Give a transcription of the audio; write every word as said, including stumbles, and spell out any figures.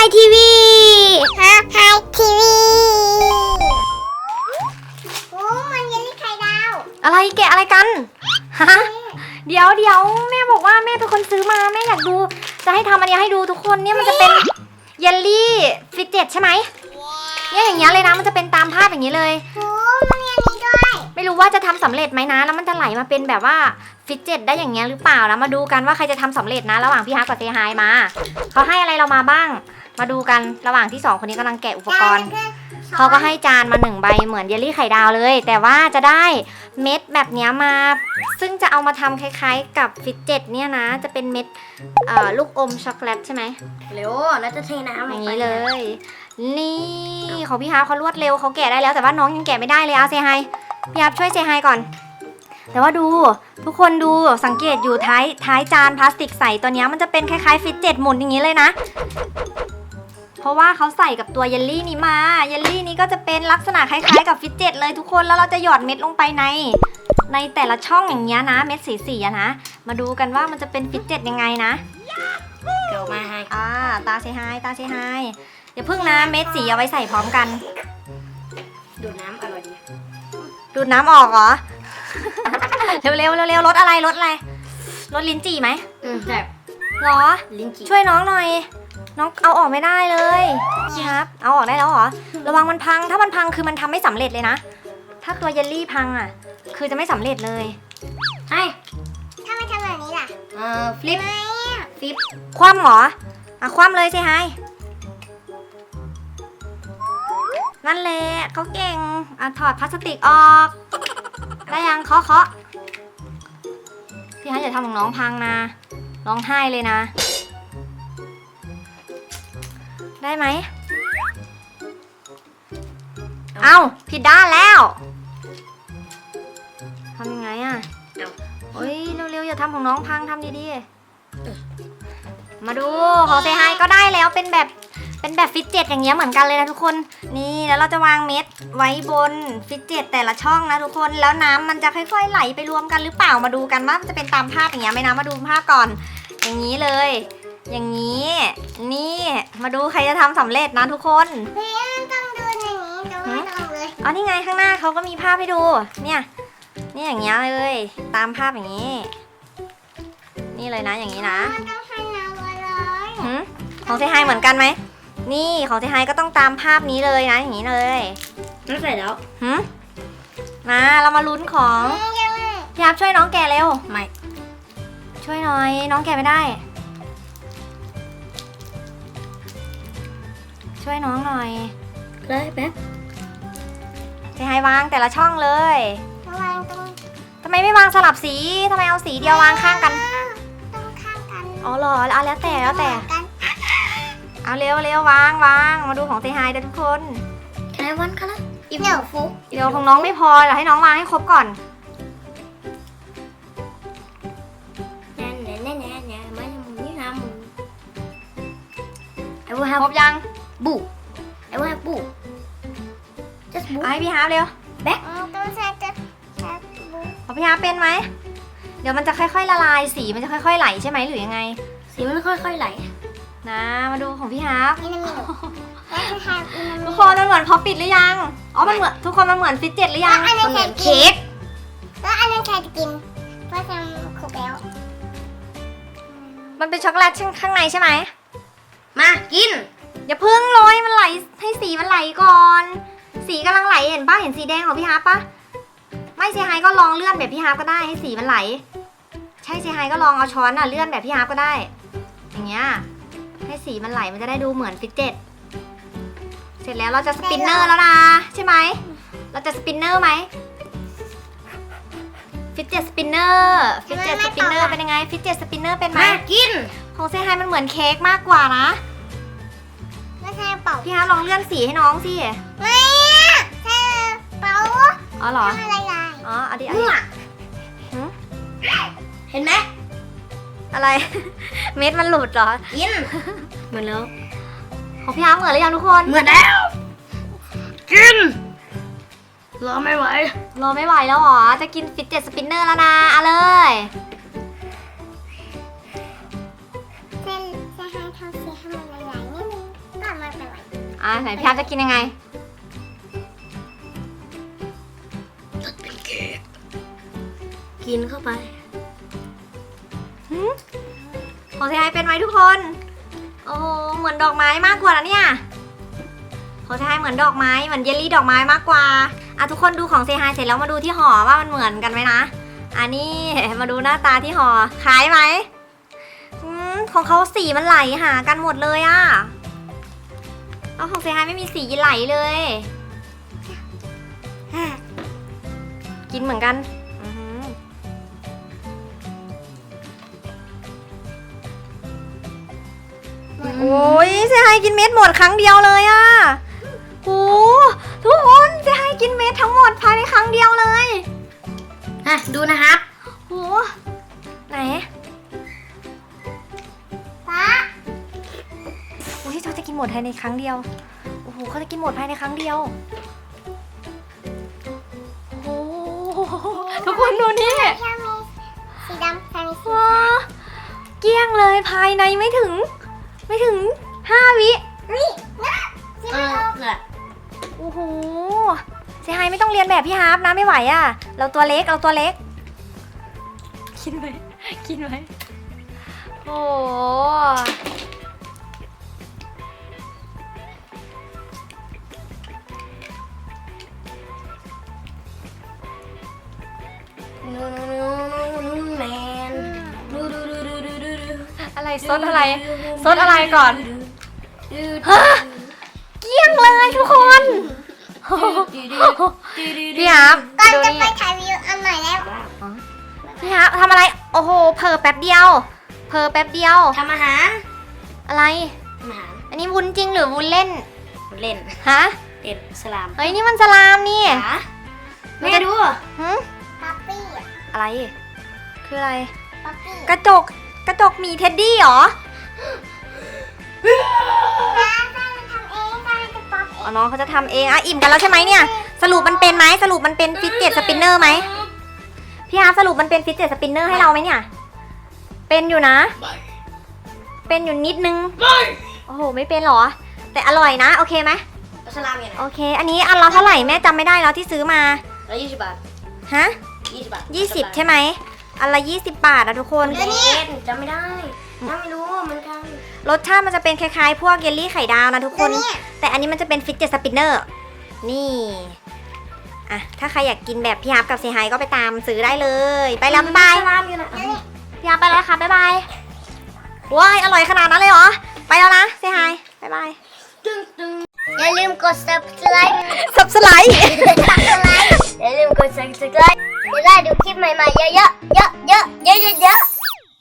ทีวีฮะไฮทีวีโอ้มันยังไม่ไข่ดาวอะไรแกะอะไรกันฮะเดี๋ยวเดี๋ยวแม่บอกว่าแม่เป็นคนซื้อมาแม่อยากดูจะให้ทำอันนี้ให้ดูทุกคนเนี่ยมันจะเป็นเยลลี่ฟิตเจ็ตใช่ไหมเนี่ยอย่างเงี้ยเลยนะมันจะเป็นตามภาพอย่างนี้เลยโอ้มันมีอันนี้ด้วยไม่รู้ว่าจะทำสำเร็จไหมนะแล้วมันจะไหลมาเป็นแบบว่าฟิตเจ็ตได้อย่างเงี้ยหรือเปล่านะมาดูกันว่าใครจะทำสำเร็จนะระหว่างพี่ฮาร์กับเซฮายมาเขาให้อะไรเรามาบ้างมาดูกันระหว่างที่สองคนนี้กำลังแกะอุปกรณ์เขาก็ให้จานมาหนึ่งใบเหมือนเยลลี่ไข่ดาวเลยแต่ว่าจะได้เม็ดแบบนี้มาซึ่งจะเอามาทำคล้ายๆกับฟิตเจ็ตเนี่ยนะจะเป็นเม็ดเอ่อลูกอมช็อกโกแลตใช่ไหมเร็วแล้วจะเทน้ำอย่างนี้เลยนี่ของพี่ฮาร์เขารวดเร็วเขาแกะได้แล้วแต่ว่าน้องยังแกะไม่ได้เลยเอาเซฮายพี่ฮาร์ช่วยเซฮายก่อนแต่ว่าดูทุกคนดูสังเกตอยู่ท้ายท้ายจานพลาสติกใสตัวนี้มันจะเป็นคล้ายๆฟิตเจ็ตหมุนอย่างนี้เลยนะเพราะว่าเขาใส่กับตัวเยลลี่นี้มาเยลลี่นี้ก็จะเป็นลักษณะคล้ายๆกับฟิตเจ็ตเลยทุกคนแล้วเราจะหยอดเม็ดลงไปในในแต่ละช่องอย่างเงี้ยนะเม็ดสีๆนะมาดูกันว่ามันจะเป็นฟิตเจ็ตยังไงนะเดี๋ยวมาให้อ่าตาเซฮายตาเซฮายอย่าพึ่งนะเม็ดสีเอาไว้ใส่พร้อมกันดูดน้ำอร่อยดีดูดน้ำออกเหรอ เร็วเร็วเร็วเร็วรสอะไรรสอะไรรสลิ้นจี่ไหมอืมแบบหรอลิ้นจี่ช่วยน้องหน่อยน้องเอาออกไม่ได้เลยครับเอาออกได้แล้วเหรอระวังมันพังถ้ามันพังคือมันทำไม่สำเร็จเลยนะถ้าตัวเยลลี่พังอ่ะคือจะไม่สำเร็จเลยใช่ถ้าไม่ทำแบบนี้ล่ะเออฟลิปฟลิปคว่ำเหรออ่ะคว่ำเลยสิไฮนั่นแหละเขาเก่งอ่ะถอดพลาสติกออกได้ยังเคาะเคาะพี่ฮันอย่าทำของน้องพังนะร้องไห้เลยนะได้ไหมเอ้าผิดด้านแล้วทำยังไงอ่ะเฮ้ยเร็วๆอย่าทำของน้องพังทำดีๆมาดูของเซฮายก็ได้แล้วเป็นแบบเป็นแบบฟิตเจ็ตอย่างเงี้ยเหมือนกันเลยนะทุกคนนี่แล้วเราจะวางเม็ดไว้บนฟิตเจ็ตแต่ละช่องนะทุกคนแล้วน้ำมันจะค่อยๆไหลไปรวมกันหรือเปล่ามาดูกันว่ามันจะเป็นตามภาพอย่างเงี้ยไหมนะมาดูภาพก่อนอย่างนี้เลยอย่างนี้นี่มาดูใครจะทำสำเร็จนะทุกคนเฮ้ยต้องดูอย่างนี้ดูไม่ต้องเลยอ๋อนี่ไงข้างหน้าเขาก็มีภาพให้ดูเนี่ยนี่อย่างเงี้ยเลยตามภาพอย่างนี้นี่เลยนะอย่างนี้นะของเซฮายเหมือนกันไหมนี่ของเซฮายก็ต้องตามภาพนี้เลยนะอย่างนี้เลยนั่นใส่แล้วหืมมาเรามาลุ้นของพี่ฮับช่วยน้องแกะเร็วไม่ช่วยหน่อยน้องแกะไม่ได้ช่วยน้องหน่อยเลยแป๊บเซฮายวางแต่ละช่องเลยวางตรงทำไมไม่วางสลับสีทำไมเอาสีเดียววางข้างกันต้องข้างกันอ๋อเหรอเอาแล้วแต่แล้วแต่เอาเร็วเร็ววางวางมาดูของเซฮายเด้อทุกคนแค่วันกันละอีเดี๋ยวฟุกเดี๋ยวของน้องไม่พอเดี๋ยวให้น้องวางให้ครบก่อนแน่แน่แน่แน่แน่ไม่ทำนี่ทำไอ้พวกครบยังบุไอ้พวกบุจะบุไอพี่ฮาร์เร็วแบ็คต้องใช้จะเอาพี่ฮาร์เป็นไหมเดี๋ยวมันจะค่อยๆละลายสีมันจะค่อยๆไหลใช่ไหมหรือยังไงสีมันค่อยๆไหลนะมาดูของพี่ฮาร์ทุกคนมันเหมือนพอปิดหรือยังอ๋อมันเหมือนทุกคนมันเหมือนฟิตเจ็ตหรือยังมันเหมือนเค้กแล้วอันนั้นใครจะกินเพราะทำครบแล้วมันเป็นช็อกโกแลตข้างในใช่ไหมมากินอย่าพึ่งโรยมันไหลให้สีมันไหลก่อนสีกำลังไหลเห็นป่ะเห็นสีแดงของพี่ฮาร์ป่ะไม่เซฮายก็ลองเลื่อนแบบพี่ฮาร์ก็ได้ให้สีมันไหลใช่เซฮายก็ลองเอาช้อนอ่ะเลื่อนแบบพี่ฮาร์ก็ได้อย่างเงี้ยให้สีมันไหลมันจะได้ดูเหมือนฟิตเจ็ตเสร็จแล้วเราจะสปินเนอร์แล้วนะใช่ไหมเราจะสปินเนอร์ไหมฟิตเจ็ตสปินเนอร์ฟิตเจ็ตสปินเนอร์เป็นยังไงฟิตเจ็ตสปินเนอร์เป็นไหมกินของเซฮายมันเหมือนเค้กมากกว่านะไม่ใช่เป่าพี่ฮาร์ลองเลื่อนสีให้น้องสิไม่ใช่เป่าอ๋อเหรออะไรอ๋ออดีตอดีตเห็นไหมอะไรเม็ดมันหลุดเหรอกินเหมือนแล้วของพี่ฮาร์เหมือนหรือยังทุกคนเหมือนแล้วกินรอไม่ไหวรอไม่ไหวแล้วหรอจะกินฟิตเจ็ตสปินเนอร์แล้วนะเอาเลยเส้นจะให้ทำสีให้มันหลายๆนิดนึงอ่ะไหนพี่ฮับจะกินยังไงเป็นเค้กกินเข้าไปหืมของเซฮายเป็นไหมทุกคน โอ้โหเหมือนดอกไม้มากกว่านะเนี่ยของเซฮายเหมือนดอกไม้เหมือนเยลลี่ดอกไม้มากกว่าอ่ะทุกคนดูของเซฮายเสร็จแล้วมาดูที่ห่อว่ามันเหมือนกันไหมนะอันนี้มาดูหน้าตาที่ห่อคล้ายไหมอืมของเขาสีมันไหลหากันหมดเลยอะแล้วของเซฮายไม่มีสีไหลเลยกินเหมือนกันอื้อหือโอ้ยเซฮายกินเม็ดหมดครั้งเดียวเลยอะโอ้ทุกคนเซฮายกินเม็ดทั้งหมดภายในครั้งเดียวเลยฮะดูนะครับโอ้ไหนป้าโอ้ยเขาจะกินหมดภายในครั้งเดียวโอ้โหเขาจะกินหมดภายในครั้งเดียวโอ้โหทุกคนดูนี่สีดำใส่สีว้าเกลี้ยงเลยภายในไม่ถึง ไม่ถึงห้าวินี่นะสีไม่ออกโอ้โหเซฮายไม่ต้องเรียนแบบพี่ฮาร์ปนะไม่ไหวอ่ะ เราตัวเล็กเราตัวเล็ก กินไหมกินไหมโอ้โหแมนดูดูดูดูดูดูดูอะไรซดอะไรซดอะไรก่อนฮะเกลี้ยงเลยทุกคนพี่ฮาร์ปก่อนดูจะนี่ไปถ่ายวิวอันใหม่แล้วพี่ฮาร์ปทำอะไรโอ้โหเผลอแป๊บเดียวเผลอแป๊บเดียวทำอาหารอะไรทำอาหารอันนี้วุ้นจริงหรือวุ้นเล่นเล่นฮะเล่นสลามเฮ้ยนี่มันสลามนี่ขาแม่ดูหืมป๊อปปี้อะไร คืออะไรป๊อปปี้กระจก กระจกหมีเท็ดดี้เหรอ อ๋อน้องเขาจะทำเองอ่ะอิ่มกันแล้วใช่ไหมเนี่ย สรุปมันเป็นไหมสรุปมันเป็นฟิตเจ็ตสปินเนอร์ไหมพี่ฮาร์ปสรุปมันเป็นฟิตเจ็ตสปินเนอร์ให้เราไหมเนี่ย เป็นอยู่นะ เป็นอยู่นิดนึง โอ้โหไม่เป็นเหรอ แต่อร่อยนะ โอเคไหมสลามยังไงโอเค อันนี้อันละเท่าไหร่แม่จำไม่ได้แล้วที่ซื้อมาร้อยยี่สิบบาทฮะยี่สิบบาทยี่สิบใช่ไหมอันละยี่สิบบาทอะทุกคนเดี๋ยวนี้จำไม่ได้จำไม่รู้เหมือนกันรสชาติมันจะเป็นคล้ายๆ พวกเยลลี่ไข่ดาวนะทุกคน แต่อันนี้มันจะเป็นฟิตเจ็ตสปินเนอร์ นี่ อ่ะ ถ้าใครอยากกินแบบพี่ฮาร์ปกับเซฮายก็ไปตามซื้อได้เลย ไปแล้วบ๊ายบายสลามอยู่นะพี่ฮาร์ปไปแล้วค่ะบ๊ายบายว้ายอร่อยขนาดนั้นเลยเหรอ ไปแล้วนะเซฮายบ๊ายบายตึ้งตึ้งอย่าลืมกด subscribe สับสไลด์ subscribe อย่าลืมกด subscribe จะได้ดูคลิปใหม่ๆเยอะๆเยอะๆเยอะๆเยอะๆ